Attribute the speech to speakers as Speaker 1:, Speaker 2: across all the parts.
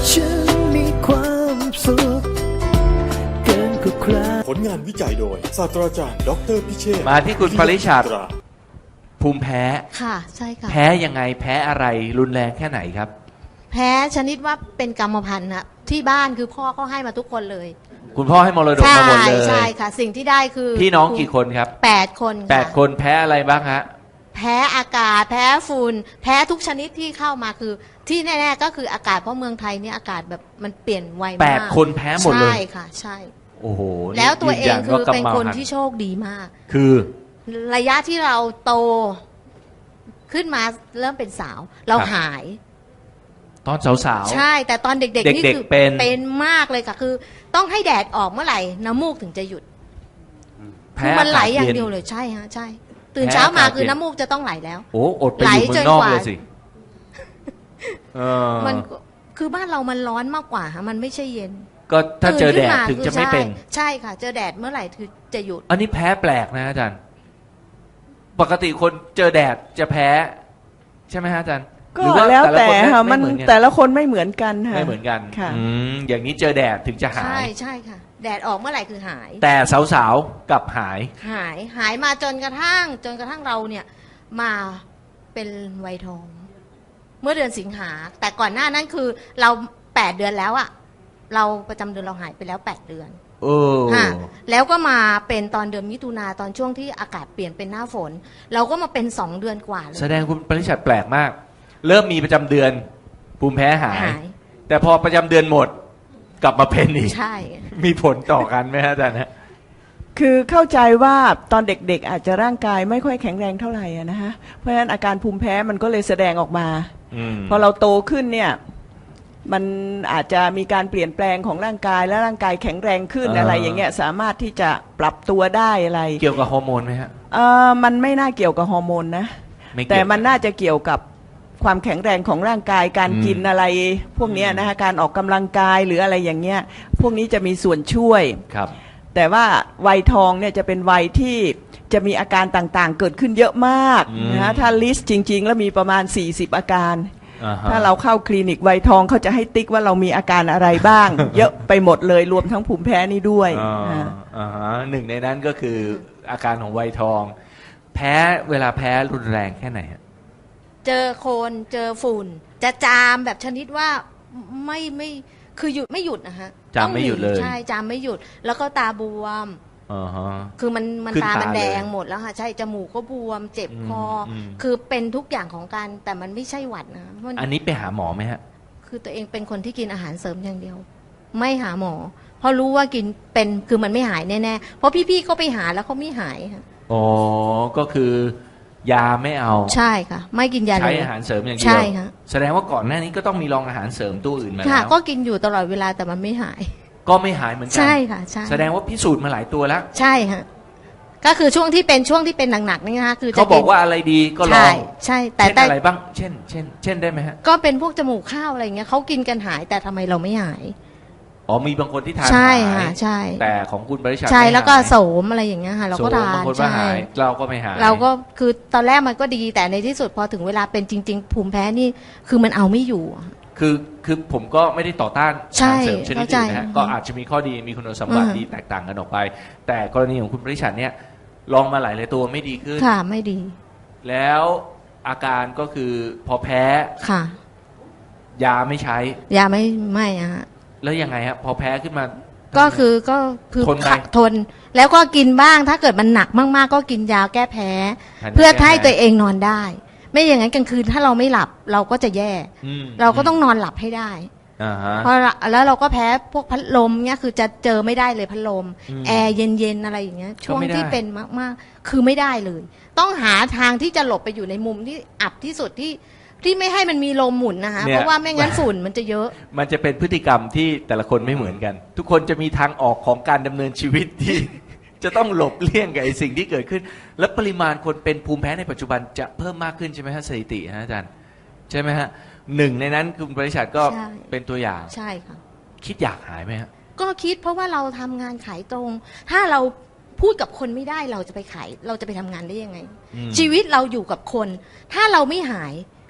Speaker 1: ฉันมีความสุขเกินกว่าใคร
Speaker 2: ผลงานวิจัยโดยศาสตราจารย์ดรพิเชษฐ์
Speaker 3: มาที่คุณปริชาติภูมิแพ้
Speaker 4: ค่ะใช่ค่ะ
Speaker 3: แพ้ยังไงแพ้อะไรรุนแรงแค่ไหนครับ
Speaker 4: แพ้ชนิดว่าเป็นกรรมพันธุ์นะที่บ้านคือพ่อเขาให้มาทุกคนเลย
Speaker 3: คุณพ่อให้มรดกมาหมดเลย
Speaker 4: ใช่ค่ะ สิ่งที่ได้คือ
Speaker 3: พี่น้องกี่คนครับ
Speaker 4: 8 คนค่ะ
Speaker 3: 8 คนแพ้อะไรบ้างฮะ
Speaker 4: แพ้อากาศแพ้ฝุ่นแพ้ทุกชนิดที่เข้ามาคือที่แน่ๆก็คืออากาศเพราะเมืองไทยเนี่ยอากาศแบบมันเปลี่ยนไวมาก
Speaker 3: 8 คนแพ้หมดเลย
Speaker 4: ใช่ค่ะใช่
Speaker 3: โอ้โห
Speaker 4: แล้วตัวเองคือ
Speaker 3: ยืยั
Speaker 4: เป็น
Speaker 3: ว่า
Speaker 4: คน
Speaker 3: กำมัง
Speaker 4: ที่โชคดีมาก
Speaker 3: คือ
Speaker 4: ระยะที่เราโตขึ้นมาเริ่มเป็นสาว เราหาย
Speaker 3: ตอนสาวๆ
Speaker 4: ใช่แต่ตอนเด็กๆนี่
Speaker 3: เด็กๆ
Speaker 4: คือ
Speaker 3: เป็น
Speaker 4: มากเลยค่ะคือ ต้องให้แดดออกเมื่อไหร่น้ำมูกถึงจะหยุด
Speaker 3: แพ้
Speaker 4: คือมันไหลอย่าง
Speaker 3: กศ
Speaker 4: เดียวเลยใช่ฮะใช่ ตื่นเช้ามาคือน้ำมูกจะต้องไหลแล้ว
Speaker 3: โอ้อดไปอยู่เมืองนอกเลยสิเออ
Speaker 4: มันคือบ้านเรามันร้อนมากกว่าฮะมันไม่ใช่เย็น
Speaker 3: ก็ถ้าเจอแดด
Speaker 4: ตื่นขึ้นมา
Speaker 3: ถึงจะไม่เป็น
Speaker 4: ใช่ค่ะ เจอแดดเมื่อไหร่คือจะหยุด
Speaker 3: อันนี้แพ้แปลกนะอาจารย์ ปกติคนเจอแดดจะแพ้ ใช่ไหมฮะอาจารย์
Speaker 5: ก็
Speaker 3: หรือว่า
Speaker 5: แล้ว
Speaker 3: ละ
Speaker 5: แต่
Speaker 3: คน
Speaker 5: ค่ะมัน
Speaker 3: ไเหอกั
Speaker 5: แต่ละคนไม่เหมือนกันค่ะ
Speaker 3: ไม่เหมือนกัน
Speaker 5: ค่ะ
Speaker 3: อย่างนี้เจอแดดถึงจะหา
Speaker 4: ใช่
Speaker 3: ย
Speaker 4: ใช่ค่ะ แดดออกเมื่อไหร่คือหาย
Speaker 3: แต่สาวๆกลับหาย
Speaker 4: หายมาจนกระทั่งเราเนี่ยมาเป็นวัยทอง เมื่อเดือนสิงหาแต่ก่อนหน้านั้นคือเรา8 เดือนแล้วอะเราประจำเดือนเราหายไปแล้ว8 เดือน
Speaker 3: เออ
Speaker 4: ค่ะแล้วก็มาเป็นตอนเดือนมิถุนาตอนช่วงที่อากาศเปลี่ยนเป็นหน้าฝน เราก็มาเป็น2 เดือนกว่าเลย
Speaker 3: แสดงคุณปริชัดแปลกมาก เริ่มมีประจำเดือน ภูมิแพ้หาย แต่พอประจำเดือนหมด กลับมาเป็นอีก
Speaker 4: ใช่
Speaker 3: มีผลต่อกันไหมฮะอาจารย์ฮะ
Speaker 5: คือเข้าใจว่าตอนเด็กๆอาจจะร่างกายไม่ค่อยแข็งแรงเท่าไหร่อะนะคะเพราะฉะนั้นอาการภูมิแพ้มันก็เลยแสดงออกมา พอเราโตขึ้นเนี่ยมันอาจจะมีการเปลี่ยนแปลงของร่างกายและร่างกายแข็งแรงขึ้นอะไรอย่างเงี้ยสามารถที่จะปรับตัวได้อะไร
Speaker 3: เกี่ยวกับฮอร์โมนไหมฮะ
Speaker 5: มันไม่น่าเกี่ยวกับฮอร์โมนนะ
Speaker 3: ไม่เกี่ยว
Speaker 5: แต่มันน่าจะเกี่ยวกับความแข็งแรงของร่างกายการกินอะไรพวกเนี้ยนะคะการออกกำลังกายหรืออะไรอย่างเงี้ยพวกนี้จะมีส่วนช่วย
Speaker 3: ครับ
Speaker 5: แต่ว่าวัยทองเนี่ยจะเป็นวัยที่จะมีอาการต่างๆ เกิดขึ้นเยอะมากนะฮะถ้าลิสต์จริงๆ แล้วมีประมาณ40อาการ
Speaker 3: อ่าฮะ
Speaker 5: ถ้าเราเข้าคลินิกวัยทองเขาจะให้ติ๊กว่าเรามีอาการอะไรบ้าง เยอะไปหมดเลยรวมทั้งภูมิแพ้นี่ด้วย
Speaker 3: หนึ่งในนั้นก็คืออาการของวัยทอง แพ้เวลาแพ้รุนแรงแค่ไหนฮะ
Speaker 4: เจอโคลนเจอฝุ่น จะจามแบบชนิดว่าไม่คือหยุดไม่หยุดนะฮะ
Speaker 3: จามไม่หยุดเลย
Speaker 4: ใช่จามไม่หยุด แล้วก็ตาบวม
Speaker 3: อ่าฮะ
Speaker 4: คือมัน
Speaker 3: ขึ้น
Speaker 4: ตา
Speaker 3: ตา
Speaker 4: มันแดง
Speaker 3: เลย
Speaker 4: หมดแล้วค่ะใช่จมูกก็บวม เจ็บคออ
Speaker 3: ม
Speaker 4: คือเป็นทุกอย่างของการแต่มันไม่ใช่หวัดนะมัน
Speaker 3: อันนี้ไปหาหมอไหมฮะ
Speaker 4: คือตัวเองเป็นคนที่กินอาหารเสริมอย่างเดียว ไม่หาหมอ เพราะรู้ว่ากินเป็นคือมันไม่หายแน่ๆเพราะพี่ๆก็ไปหาแล้วเขาไม่หายค่ะ
Speaker 3: อ๋อ ก็คือยาไม่เอา
Speaker 4: ใช่ค่ะ ไม่กินยาเลย
Speaker 3: ใช้อาหารเสริมอย่างเดี
Speaker 4: ใช่
Speaker 3: ว
Speaker 4: ค่ะ
Speaker 3: แสดงว่าก่อนหน้านี้ก็ต้องมีลองอาหารเสริมตัวอื่นมา
Speaker 4: ค่ะ
Speaker 3: แล้ว
Speaker 4: ก็กินอยู่ตลอดเวลาแต่มันไม่หาย
Speaker 3: ก็ไม่หายเหมือนกั
Speaker 4: ใช่ค่ะใช่
Speaker 3: แสดงว่าพิสูจน์มาหลายตัวแล้ว
Speaker 4: ใช่ฮะก็คือช่วงที่เป็นหนักๆนี่นะคะคือจะ
Speaker 3: เขาบอกว่าอะไรดีก็ลอ
Speaker 4: ใช่
Speaker 3: ง
Speaker 4: ใช่แต่
Speaker 3: เช่นอะไรบ้าง เช่นได้ไหมฮะ
Speaker 4: ก็เป็นพวกจมูกข้าวอะไรอย่างเงี้ยเขากินกันหายแต่ทำไมเราไม่หาย
Speaker 3: อ๋อมีบางคนที่ทาน
Speaker 4: ใช่
Speaker 3: หาย
Speaker 4: ค่ะใช่
Speaker 3: แต่ของคุณบริษัท
Speaker 4: ใช่
Speaker 3: ไม่
Speaker 4: แล้วก็
Speaker 3: หาย
Speaker 4: โสมอะไรอย่างเงี้ยค่ะเราก็
Speaker 3: โสม
Speaker 4: ทา
Speaker 3: บาง
Speaker 4: น
Speaker 3: คนว่า
Speaker 4: ใช่
Speaker 3: หายเราก็ไม่หาย
Speaker 4: เราก็คือตอนแรกมันก็ดีแต่ในที่สุดพอถึงเวลาเป็นจริง ๆ ภูมิแพ้นี่คือมันเอาไม่อยู่
Speaker 3: คือผมก็ไม่ได้ต่อต้าน
Speaker 4: ใช่
Speaker 3: อาหารเสริมชนิดอื่นนะฮะ
Speaker 4: เข้าใจ
Speaker 3: ก็อาจจะมีข้อดีมีคุณสมบัติ
Speaker 4: อืม
Speaker 3: ดีแตกต่างกันออกไป แต่กรณีของคุณบริษัทเนี่ยลองมาหลายตัวไม่ดีขึ้น
Speaker 4: ค่ะไม่ดี
Speaker 3: แล้วอาการก็คือพอแพ้
Speaker 4: ค่ะ
Speaker 3: ยาไม่ใช้
Speaker 4: ยาไม่อะฮะ
Speaker 3: แล้วยังไงฮะพอแพ้ขึ้นมา
Speaker 4: ก็คือ
Speaker 3: ทนไป
Speaker 4: ทน แล้วก็กินบ้างถ้าเกิดมันหนักมากๆ ก็กินยาแก้แพ้
Speaker 3: ทานยา
Speaker 4: เพื่อ
Speaker 3: แก้แพ้
Speaker 4: ให้ตัวเองนอนได้ ไม่อย่างนั้นกลางคืนถ้าเราไม่หลับเราก็จะแย่
Speaker 3: อืม
Speaker 4: เราก็ต้องนอนหลับให้ได้
Speaker 3: อ่าฮะ
Speaker 4: เพราะแล้วเราก็แพ้พวกพัดลมเนี่ยคือจะเจอไม่ได้เลยพัดลม
Speaker 3: อืม
Speaker 4: แอร์เย็นๆอะไรอย่างเงี้ย ช่วง
Speaker 3: ไม่ได้
Speaker 4: ที่เป็นมากๆ คือไม่ได้เลย ต้องหาทางที่จะหลบไปอยู่ในมุมที่อับที่สุดที่ไม่ให้มันมีลมหมุนนะคะเพราะว่าไม่งั้นฝุ่นมันจะเยอะ
Speaker 3: มันจะเป็นพฤติกรรมที่แต่ละคนไม่เหมือนกัน ทุกคนจะมีทางออกของการดำเนินชีวิตที่ จะต้องหลบเลี่ยงกับไอ้สิ่งที่เกิดขึ้น และปริมาณคนเป็นภูมิแพ้ในปัจจุบันจะเพิ่มมากขึ้นใช่ไหมฮะสถิติฮะอาจารย์ใช่ไหมฮะหนึ่งในนั้นคุณบริษัทก็
Speaker 4: ใช่
Speaker 3: เป็นตัวอย่าง
Speaker 4: ใช่ค่ะ
Speaker 3: คิดอยากหายไหมฮะ
Speaker 4: ก็คิดเพราะว่าเราทำงานขายตรง ถ้าเราพูดกับคนไม่ได้เราจะไปขายเราจะไปทำงานได้ยังไง
Speaker 3: อืม
Speaker 4: ชีวิตเราอยู่กับคน ถ้าเราไม่หาย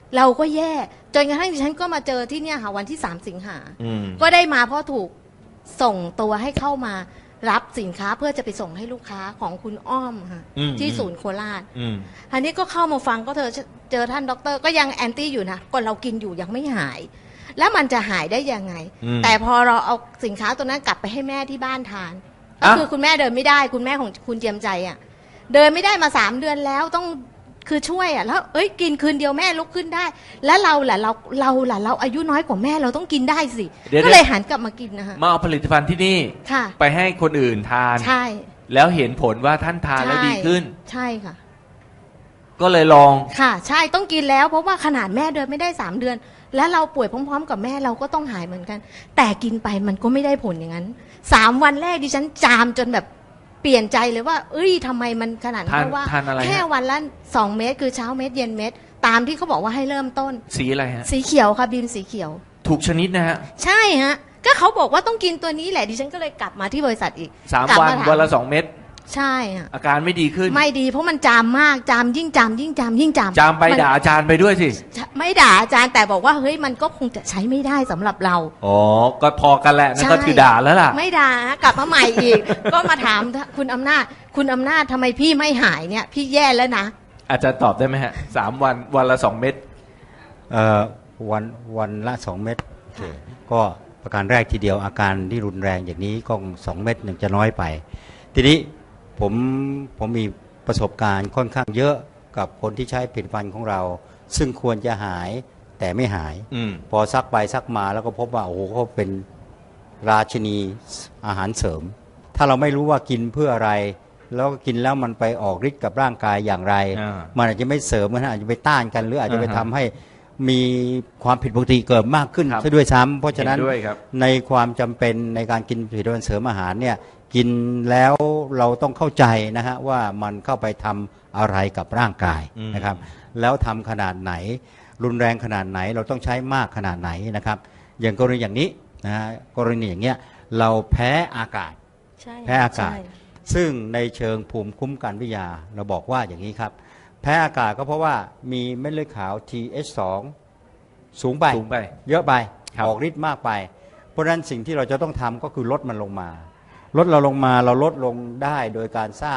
Speaker 4: เราก็แย่จนกระทั่งดิฉันก็มาเจอที่เนี่ยค่ะวันที่ 3 สิงหา
Speaker 3: อืม
Speaker 4: ก็ได้มาเพราะถูกส่งตัวให้เข้ามารับสินค้าเพื่อจะไปส่งให้ลูกค้าของคุณอ้อมค่ะ
Speaker 3: อืม
Speaker 4: ที่ศูนย์โคราช
Speaker 3: อืม
Speaker 4: อันนี้ก็เข้ามาฟังก็เจอท่านด็อกเตอร์ก็ยังแอนตี้อยู่นะก่อนเรากินอยู่ยังไม่หาย แล้วมันจะหายได้ยังไง
Speaker 3: อืม
Speaker 4: แต่พอเราเอาสินค้าตัวนั้นกลับไปให้แม่ที่บ้านทานก็
Speaker 3: อ่ะ
Speaker 4: คือคุณแม่เดินไม่ได้คุณแม่ของคุณเจียมใจอ่ะเดินไม่ได้มา3 เดือนแล้วต้องคือช่วยอ่ะแล้วกินคืนเดียวแม่ลุกขึ้นได้ แล้วเราล่ะเราอายุน้อยกว่าแม่เราต้องกินได้สิ
Speaker 3: เดี๋ยว
Speaker 4: ก็เลยหันกลับมากินนะคะ
Speaker 3: มาเอาผลิตภัณฑ์ที่นี่
Speaker 4: ค่ะ
Speaker 3: ไปให้คนอื่นทาน
Speaker 4: ใช่
Speaker 3: แล้วเห็นผลว่าท่านทานแล้วดีขึ้น
Speaker 4: ใช่ค่ะ
Speaker 3: ก็เลยลอง
Speaker 4: ค่ะ ใช่ต้องกินแล้วเพราะว่าขนาดแม่เดินไม่ได้3 เดือน แล้วเราป่วยพร้อมๆ กับแม่เราก็ต้องหายเหมือนกัน แต่กินไปมันก็ไม่ได้ผลอย่างนั้น3 วันแรกดิฉันจามจนแบบเปลี่ยนใจเลยว่าทำไมมันขนาดนั้น
Speaker 3: ทาน
Speaker 4: เพราะว่า
Speaker 3: ทานอะไรฮะ
Speaker 4: แค่วันละ2 เม็ดคือเช้าเม็ดเย็นเม็ดตามที่เขาบอกว่าให้เริ่มต้น
Speaker 3: สีอะไรฮะ
Speaker 4: สีเขียวค่ะบีมสีเขียว
Speaker 3: ถูกชนิดนะฮะ
Speaker 4: ใช่ฮะก็เขาบอกว่าต้องกินตัวนี้แหละดิฉันก็เลยกลับมาที่บริษัทอีก
Speaker 3: 3
Speaker 4: กลับ
Speaker 3: วัน
Speaker 4: มาถาม
Speaker 3: วันละ 2 เม็ด
Speaker 4: ใช่ฮะ
Speaker 3: อาการไม่ดีขึ้น
Speaker 4: ไม่ดีเพราะมันจามมากจามยิ่งจามยิ่งจามยิ่งจาม
Speaker 3: จามไป
Speaker 4: มัน
Speaker 3: ด่าอาจารย์ไปด้วยสิ
Speaker 4: ไม่ด่าอาจารย์แต่บอกว่าเฮ้ยมันก็คงจะใช้ไม่ได้สำหรับเรา
Speaker 3: อ๋อ ก็พอกันแหละนั่น
Speaker 4: ใช่
Speaker 3: ก็คือด่าแล้วล่ะ
Speaker 4: ไม่ด่ากลับมาใหม่อีก ก็มาถามคุณอำนาจทำไมพี่ไม่หายเนี่ย พี่แย่แล้วนะ
Speaker 3: อาจารย์ตอบได้ไหมฮะ 3 วันวันละ 2 เม็ด
Speaker 6: เอ่อวันละ2 เม็ดก็ประการแรกทีเดียวอาการที่รุนแรงอย่างนี้ก็2 เม็ดหนึ่งจะน้อยไป ทีนี้ผมมีประสบการณ์ค่อนข้างเยอะกับคนที่ใช้ผลิตภัณฑ์ของเรา ซึ่งควรจะหายแต่ไม่หาย
Speaker 3: อืม
Speaker 6: พอซักไปซักมาแล้วก็พบว่าโอ้โหเขาเป็นราชินีอาหารเสริม ถ้าเราไม่รู้ว่ากินเพื่ออะไร แล้วก็กินแล้วมันไปออกฤทธิ์กับร่างกายอย่างไร
Speaker 3: อ่า
Speaker 6: มันอาจจะไม่เสริมมันอาจจะไปต้านกัน หรืออาจจะไป
Speaker 3: อ่าฮะ
Speaker 6: ทำให้มีความผิดปกติเกิดมากขึ้น
Speaker 3: ครับ
Speaker 6: ซะด้วยซ้ำเพราะฉะนั้น
Speaker 3: เห็นด้วยครับ
Speaker 6: ในความจำเป็นในการกินผลิตภัณฑ์เสริมอาหารเนี่ยกินแล้วเราต้องเข้าใจนะฮะว่ามันเข้าไปทำอะไรกับร่างกายนะครับ แล้วทำขนาดไหน รุนแรงขนาดไหนเราต้องใช้มากขนาดไหนนะครับ อย่างกรณีอย่างนี้นะฮะกรณีอย่างเงี้ยเราแพ้อากาศ
Speaker 4: ใช่
Speaker 6: แพ้อากาศ ซึ่งในเชิงภูมิคุ้มกันวิทยาเราบอกว่าอย่างนี้ครับ แพ้อากาศก็เพราะว่ามีเม็ดเลือดขาว TH2 สูงไป
Speaker 3: สูงไป
Speaker 6: เยอะไป
Speaker 3: ครับ
Speaker 6: ออกฤทธิ์มากไป เพราะฉะนั้นสิ่งที่เราจะต้องทำก็คือลดมันลงมา ลดเราลงมาเราลดลงได้โดยการสร้าง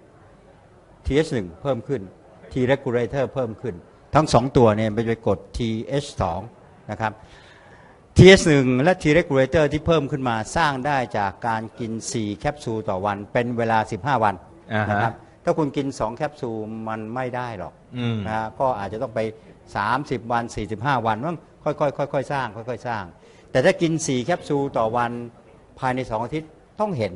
Speaker 6: TH1 เพิ่มขึ้น T regulator เพิ่มขึ้น ทั้ง 2 ตัวเนี่ยไปกด TH2 นะครับ TH1 และ T regulator ที่เพิ่มขึ้นมาสร้างได้จากการกิน 4 แคปซูลต่อวันเป็นเวลา 15 วัน
Speaker 3: อ่าฮะ
Speaker 6: นะครับถ้าคุณกิน 2 แคปซูลมันไม่ได้หรอก
Speaker 3: อืม
Speaker 6: นะฮะก็อาจจะต้องไป 30 วัน 45 วันต้องค่อยๆสร้างค่อยๆสร้าง แต่ถ้ากิน 4 แคปซูลต่อวันภายใน 2 อาทิตย์ต้องเห็น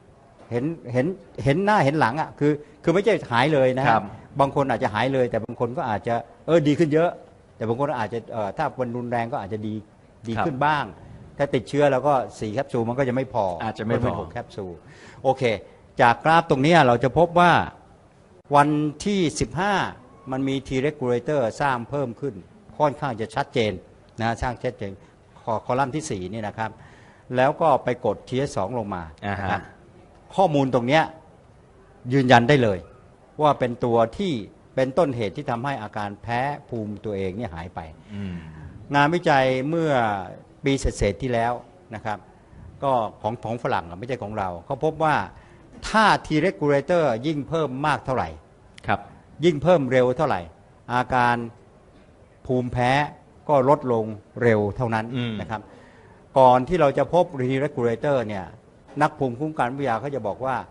Speaker 6: หน้าเห็นหลังอ่ะคือไม่ใช่หายเลยนะครับ บางคนอาจจะหายเลย แต่บางคนก็อาจจะดีขึ้นเยอะ แต่บางคนอาจจะถ้าวันรุนแรงก็อาจจะดีขึ้นบ้าง ถ้าติดเชื้อแล้วก็4แคปซูลมันก็จะไม่พออา
Speaker 3: จจะไม่พอ
Speaker 6: เป็น6แคปซูลโอเค จากกราฟตรงนี้เราจะพบว่าวันที่ 15 มันมี T regulator สร้างเพิ่มขึ้นค่อนข้างจะชัดเจนนะสร้างชัดเจนคอลัมน์ที่ 4 นี่นะครับ แล้วก็ไปกด TH2 ลงมา
Speaker 3: อ่าฮะ
Speaker 6: นะครับข้อมูลตรงเนี้ยยืนยันได้เลย ว่าเป็นตัวที่เป็นต้นเหตุที่ทำให้อาการแพ้ภูมิตัวเองเนี่ยหายไป
Speaker 3: อืม
Speaker 6: งานวิจัยเมื่อปีเศษๆที่แล้วนะครับ ก็ของฝรั่งอะไม่ใช่ของเราเขาพบว่าถ้า T regulator ยิ่งเพิ่มมากเท่าไหร่
Speaker 3: ครับ
Speaker 6: ยิ่งเพิ่มเร็วเท่าไหร่ อาการภูมิแพ้ก็ลดลงเร็วเท่านั้น
Speaker 3: อืม
Speaker 6: นะครับ ก่อนที่เราจะพบ T regulator เนี่ยนักภูมิคุ้มกันวิทยาเขาจะบอกว่า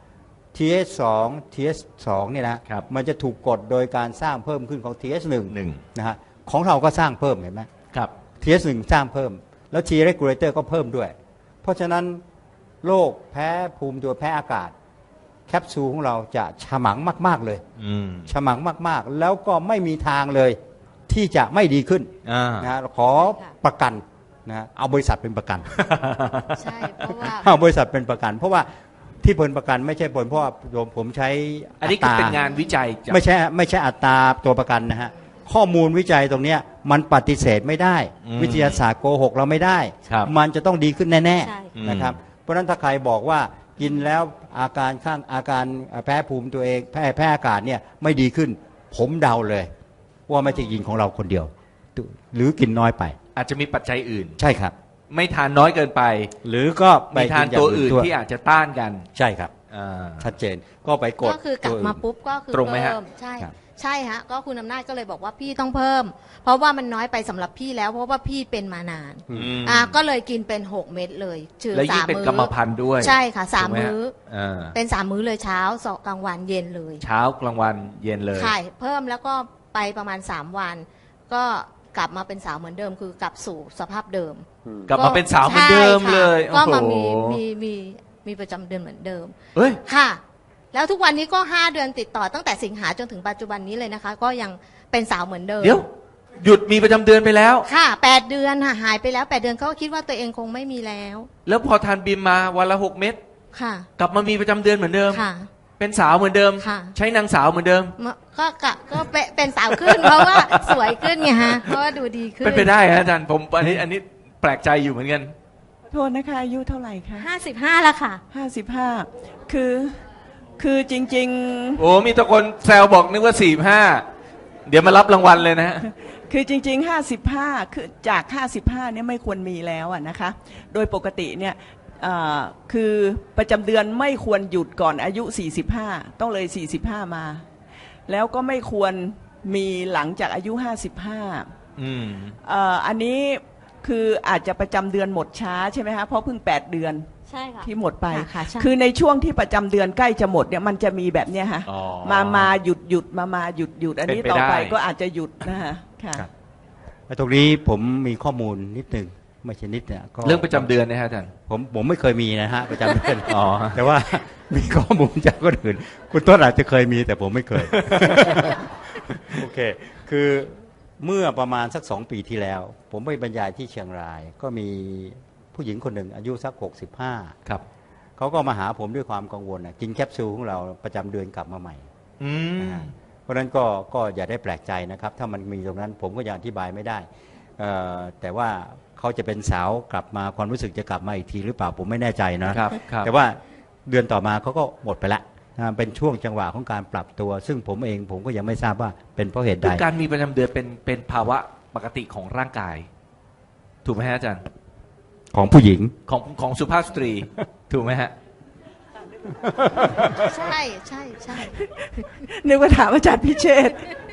Speaker 6: TH2 เนี่ยนะครับ มันจะถูกกดโดยการสร้างเพิ่มขึ้นของ TH1
Speaker 3: หนึ่ง
Speaker 6: นะฮะของเราก็สร้างเพิ่มเห็นไหม
Speaker 3: ครับ
Speaker 6: TH1 สร้างเพิ่ม แล้ว T regulator ก็เพิ่มด้วย เพราะฉะนั้นโรคแพ้ภูมิตัวแพ้อากาศ แคปซูลของเราจะฉมังมากๆเลย
Speaker 3: อืม
Speaker 6: ฉมังมากๆ แล้วก็ไม่มีทางเลยที่จะไม่ดีขึ้น
Speaker 3: อ่า
Speaker 6: นะขอประกันนะเอาบริษัทเป็นประกัน
Speaker 4: ใช่เพราะว่า
Speaker 6: เอาบริษัทเป็นประกัน เพราะว่าที่ผลประกันไม่ใช่ผลเพราะว่าผมใช้
Speaker 3: อันนี้คือเป็นงานวิจัยจาก
Speaker 6: ไม่ใช่อัตราตัวประกันนะฮะข้อมูลวิจัยตรงเนี้ยมันปฏิเสธไม่ได้
Speaker 3: อืม
Speaker 6: วิทยาศาสตร์โกหกเราไม่ได้
Speaker 3: ครับ
Speaker 6: มันจะต้องดีขึ้นแน่
Speaker 4: ใช่
Speaker 6: ๆนะครับเพราะฉะนั้นถ้าใครบอกว่ากินแล้วอาการแพ้ภูมิตัวเองแพ้อากาศเนี่ยไม่ดีขึ้น ผมเดาเลย ว่าไม่ใช่กินของเราคนเดียวหรือกินน้อยไป
Speaker 3: อาจจะมีปัจจัยอื่น
Speaker 6: ใช่ครับ
Speaker 3: ไม่ทานน้อยเกินไป
Speaker 6: หรือก็ไป
Speaker 3: มีทานตัวอื่นที่อาจจะต้านกัน
Speaker 6: ใช่ครับ
Speaker 3: อ่า
Speaker 6: ชัดเจนก็ไปกด
Speaker 4: ก็คือกลับมาปุ๊บก็คือ
Speaker 3: ตรงไหมฮะ
Speaker 4: เพิ่มใช่
Speaker 6: ครับ
Speaker 4: ใช่ฮะก็คุณอำนาจก็เลยบอกว่าพี่ต้องเพิ่ม เพราะว่ามันน้อยไปสำหรับพี่แล้ว เพราะว่าพี่เป็นมานาน
Speaker 3: ม
Speaker 4: ก็เลยกินเป็น6 เม็ดเลยชื่อ
Speaker 3: แล้วยิ่ง
Speaker 4: 3
Speaker 3: เป็น
Speaker 4: มื้
Speaker 3: กรรมพันธุ์ด้วย
Speaker 4: ใช่ค่ะ
Speaker 3: ถูกไห
Speaker 4: 3 มื้อ
Speaker 3: อ่า
Speaker 4: เป็น3 มื้อเลยเช้าสองกลางวันเย็นเลย
Speaker 3: เช้ากลางวันเย็นเลย
Speaker 4: ใช่เพิ่มแล้วก็ไปประมาณ3 วัน ก็กลับมาเป็นสาวเหมือนเดิม คือกลับสู่สภาพเดิม
Speaker 3: กลับมาเป็นสาวเหมือนเดิม
Speaker 4: ใช่ค่ะ
Speaker 3: เลย
Speaker 4: ก็มา
Speaker 3: โอ้โห
Speaker 4: มีประจำเดือนเหมือนเดิม
Speaker 3: เฮ้ย
Speaker 4: ค่ะ แล้วทุกวันนี้ก็5 เดือนติดต่อตั้งแต่สิงหาจนถึงปัจจุบันนี้เลยนะคะ ก็ยังเป็นสาวเหมือนเดิม
Speaker 3: เดี๋ยว หยุดมีประจำเดือนไปแล้ว
Speaker 4: ค่ะ8 เดือนค่ะหายไปแล้ว8 เดือนเขาก็คิดว่าตัวเองคงไม่มีแล้ว
Speaker 3: แล้วพอทานบิมมาวันละ6 เม็ด
Speaker 4: ค่ะ
Speaker 3: กลับมามีประจำเดือนเหมือนเดิม
Speaker 4: ค่ะ
Speaker 3: เป็นสาวเหมือนเดิม
Speaker 4: ค่ะ
Speaker 3: ใช้นางสาวเหมือนเดิม
Speaker 4: ก็เป็นสาวขึ้น เพราะว่าสวยขึ้นไงฮะเพราะว่าดูดีขึ้น
Speaker 3: เป็นไปได้ฮะอาจารย์ผมอันนี้แปลกใจอยู่เหมือนกัน
Speaker 5: โทษนะคะอายุเท่าไหร่คะ
Speaker 4: 55แล้วค่ะ
Speaker 5: 55คือจริง
Speaker 3: โอ้มีตะคนแซวบอกนึกว่า45เดี๋ยวมารับรางวัลเลยนะฮะ
Speaker 5: ๆ คือจริง ๆ 55คือจาก55เนี่ยไม่ควรมีแล้วอะนะคะ โดยปกติเนี่ยคือประจำเดือนไม่ควรหยุดก่อนอายุ45ต้องเลย45มา แล้วก็ไม่ควรมีหลังจากอายุ55
Speaker 3: อืม
Speaker 5: อันนี้คืออาจจะประจำเดือนหมดช้าใช่ไหมคะเพราะเพิ่ง8 เดือน
Speaker 4: ใช่ค่ะ
Speaker 5: ที่หมดไป
Speaker 4: ค่ะใช่
Speaker 5: คือในช่วงที่ประจำเดือนใกล้จะหมดเนี่ยมันจะมีแบบเนี้ยฮะ
Speaker 3: อ๋อ
Speaker 5: มาหยุดมาหยุดอันนี้
Speaker 3: เป็นไป
Speaker 5: ต่อไป
Speaker 3: ได้
Speaker 5: ก็อาจจะหยุดนะฮะค่ะ
Speaker 6: ครับ ตรงนี้ผมมีข้อมูลนิดนึงไม่ใช่นิดเนี่ยก็
Speaker 3: เรื่องประจำเดือนนะฮะอาจารย์
Speaker 6: ผมไม่เคยมีนะฮะประจำเดือน
Speaker 3: อ๋อ
Speaker 6: แต่ว่ามีข้อมูลจากคนอื่น คุณต้นอาจจะเคยมีแต่ผมไม่เคย โอเค คือเมื่อประมาณสัก2 ปีที่แล้ว ผมไปบรรยายที่เชียงราย ก็มีผู้หญิงคนหนึ่งอายุสัก65
Speaker 3: ครับ
Speaker 6: เขาก็มาหาผมด้วยความกังวลกินแคปซูลของเราประจำเดือนกลับมาใหม่
Speaker 3: อืม
Speaker 6: นะฮะเพราะฉะนั้นก็อย่าได้แปลกใจนะครับ ถ้ามันมีตรงนั้นผมก็ยังอธิบายไม่ได้แต่ว่าเขาจะเป็นสาวกลับมาความรู้สึกจะกลับมาอีกทีหรือเปล่าผมไม่แน่ใจนะครับ
Speaker 3: ครับ
Speaker 6: แต่ว่าเดือนต่อมาเขาก็หมดไปละเป็นช่วงจังหวะของการปรับตัว ซึ่งผมก็ยังไม่ทราบว่าเป็นเพราะเหตุใด
Speaker 3: คือการมีประจำเดือนเป็นภาวะปกติของร่างกาย ถูกไหมฮะอาจารย์
Speaker 6: ของผู้หญิง
Speaker 3: ของสุภาพสตรี ถูกไหมฮะ
Speaker 4: ใช่ใช่ใช่
Speaker 5: นึกว่าถามอาจารย์พิเชษฐ์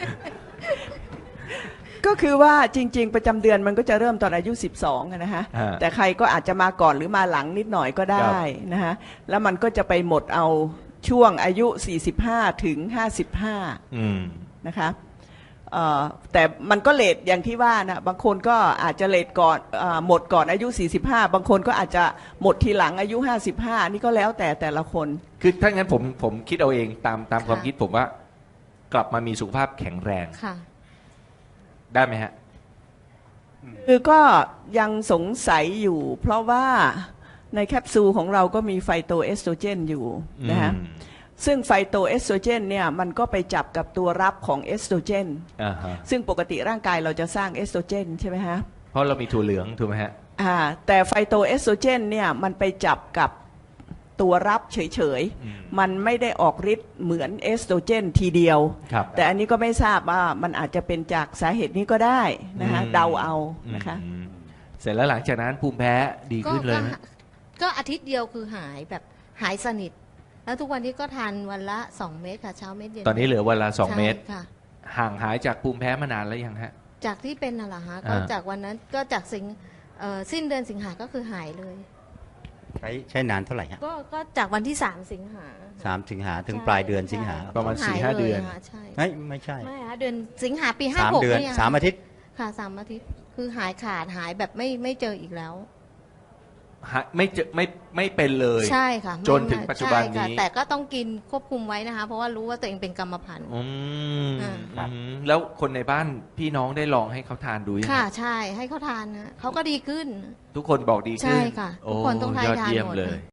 Speaker 5: ก็คือว่าจริง ๆ ประจำเดือนมันก็จะเริ่มตอนอายุ12อะนะฮะ
Speaker 3: ฮะ
Speaker 5: แต่ใครก็อาจจะมาก่อนหรือมาหลังนิดหน่อยก็ได้นะฮะแล้วมันก็จะไปหมดเอาช่วงอายุ45ถึง55
Speaker 3: อืม
Speaker 5: นะคะแต่มันก็เลทอย่างที่ว่านะบางคนก็อาจจะเลทก่อนหมดก่อนอายุ45บางคนก็อาจจะหมดทีหลังอายุ55นี่ก็แล้วแต่ละคน
Speaker 3: คือถ้างั้นผมคิดเอาเองตามความคิดผมว่า กลับมามีสุขภาพแข็งแรง
Speaker 4: ค่ะ
Speaker 3: ได้ไหมฮะ
Speaker 5: คือก็ยังสงสัยอยู่ เพราะว่าในแคปซูลของเราก็มีไฟโตเอสโตรเจนอยู่นะฮะ
Speaker 3: อืม
Speaker 5: ซึ่งไฟโตเอสโตรเจนเนี่ยมันก็ไปจับกับตัวรับของเอสโตรเจน
Speaker 3: อ่าฮะ
Speaker 5: ซึ่งปกติร่างกายเราจะสร้างเอสโตรเจนใช่ไหมฮะ
Speaker 3: เพราะเรามีถั่วเหลืองถูกไหมฮะ
Speaker 5: แต่ไฟโตเอสโตรเจนเนี่ยมันไปจับกับตัวรับเฉย
Speaker 3: อืม
Speaker 5: ๆมันไม่ได้ออกฤทธิ์เหมือนเอสโตรเจนทีเดียว
Speaker 3: ครับ
Speaker 5: แต่อันนี้ก็ไม่ทราบว่ามันอาจจะเป็นจากสาเหตุนี้ก็ได้นะฮะ
Speaker 3: อืม
Speaker 5: เดาเอานะคะ
Speaker 3: อืมเสร็จแล้วหลังจากนั้นภูมิแพ้ดีขึ้นเลยไหม
Speaker 4: ก็อาทิตย์เดียวคือหายแบบหายสนิท แล้วทุกวันนี้ก็ทานวันละ2 เม็ดค่ะเช้าเม็ดเย็น
Speaker 3: ตอนนี้เหลือวันละ2
Speaker 4: ใช่
Speaker 3: เม็ด
Speaker 4: ค่ะ
Speaker 3: ห่างหายจากภูมิแพ้มานานแล้วยังฮะ
Speaker 4: จากที่เป็นน่ะเหรอฮะก็
Speaker 3: อ่า
Speaker 4: จากวันนั้นก็จากสิ้นเดือนสิงหาก็คือหายเลย
Speaker 6: ใช้นานเท่าไหร่ฮะ
Speaker 4: ก็จากวันที่3 สิงหา
Speaker 6: 3 สิงหาถึงปลายเดือนสิงหา
Speaker 3: ประมาณ
Speaker 4: หย
Speaker 3: 4-5 เดือน
Speaker 4: ลยะใช่
Speaker 6: ไม่ใช่
Speaker 4: ไม่ฮะเดือนสิงหาปี
Speaker 6: 3
Speaker 4: 56
Speaker 6: เดือน
Speaker 4: นี่ย
Speaker 6: 3 อาทิตย์
Speaker 4: ค่ะ3 อาทิตย์คือหายขาดหายแบบไม่เจออีกแล้ว
Speaker 3: ไม่เจอไม่เป็นเลย
Speaker 4: ใช่ค่ะ
Speaker 3: จนถึงปัจจุบันนี้
Speaker 4: ใช่ค่ะแต่ก็ต้องกินควบคุมไว้นะคะ เพราะว่ารู้ว่าตัวเองเป็นกรรมพันธุ์
Speaker 3: อืม
Speaker 4: อ่า
Speaker 3: อืมแล้วคนในบ้านพี่น้องได้ลองให้เขาทานดูยัง
Speaker 4: ค่ะใช่ให้เขาทานนะเขาก็ดีขึ้น
Speaker 3: ทุกคนบอกดีขึ้น
Speaker 4: ใช่ค่ะทุกคนต้องทาน
Speaker 3: โยอดเยี่ยม
Speaker 4: หมด
Speaker 3: เลย